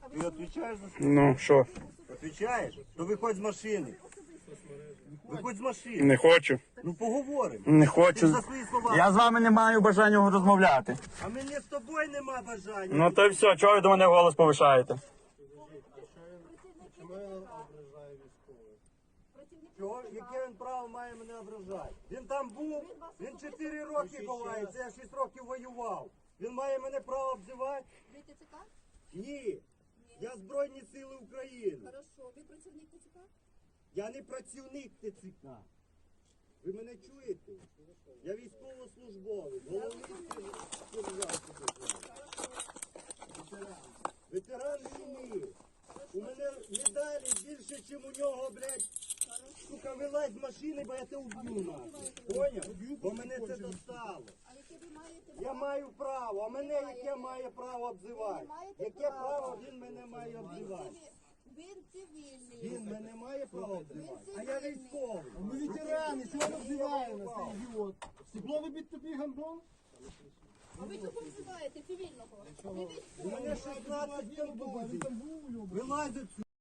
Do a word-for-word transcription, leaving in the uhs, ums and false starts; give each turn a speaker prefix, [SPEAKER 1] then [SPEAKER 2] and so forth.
[SPEAKER 1] Ти відповідаєш за це?
[SPEAKER 2] Ну, що?
[SPEAKER 1] Відповідаєш? То виходь з машини. Виходь з машини.
[SPEAKER 2] Не хочу.
[SPEAKER 1] Ну поговоримо.
[SPEAKER 2] Не
[SPEAKER 1] Ти
[SPEAKER 2] хочу.
[SPEAKER 1] за свої слова.
[SPEAKER 2] Я з вами не маю бажання розмовляти.
[SPEAKER 1] А мені з тобою нема бажання.
[SPEAKER 2] Ну то й все, чого ви до мене голос повишаєте?
[SPEAKER 1] Чого? Яке він право має мене ображати? Він там був, він чотири роки ховається, я шість років воював. Він має мене право обзивати?
[SPEAKER 3] Ви ТЦК?
[SPEAKER 1] Ні. Я Збройні Сили України.
[SPEAKER 3] Хорошо. Ви працівник ТЦК?
[SPEAKER 1] Я не працівник ТЦК. Ви мене чуєте? Я військовослужбовець. Головний сержант. Ветеран війни. У мене медалі більше, ніж у нього, блядь. Сука, вилазь з машини, бо я тебе уб'ю нахуй. Поняв? Бо мене це достало.
[SPEAKER 3] А яке ви маєте
[SPEAKER 1] Я маю право, а мене яке має право обзивати? Яке право він мене має обзивати?
[SPEAKER 3] Він цивільний.
[SPEAKER 1] Він мене має право обзивати? А я військовий.
[SPEAKER 4] Ми ветерани, чого ви обзиваєте нас, цей ідіот? Стекло вибить тобі гандон?
[SPEAKER 3] А ви чого обзиваєте цивільного? Ви
[SPEAKER 1] У мене шістнадцять
[SPEAKER 4] Він
[SPEAKER 1] контузій.
[SPEAKER 4] там був, його.
[SPEAKER 1] Вилазь отсюди.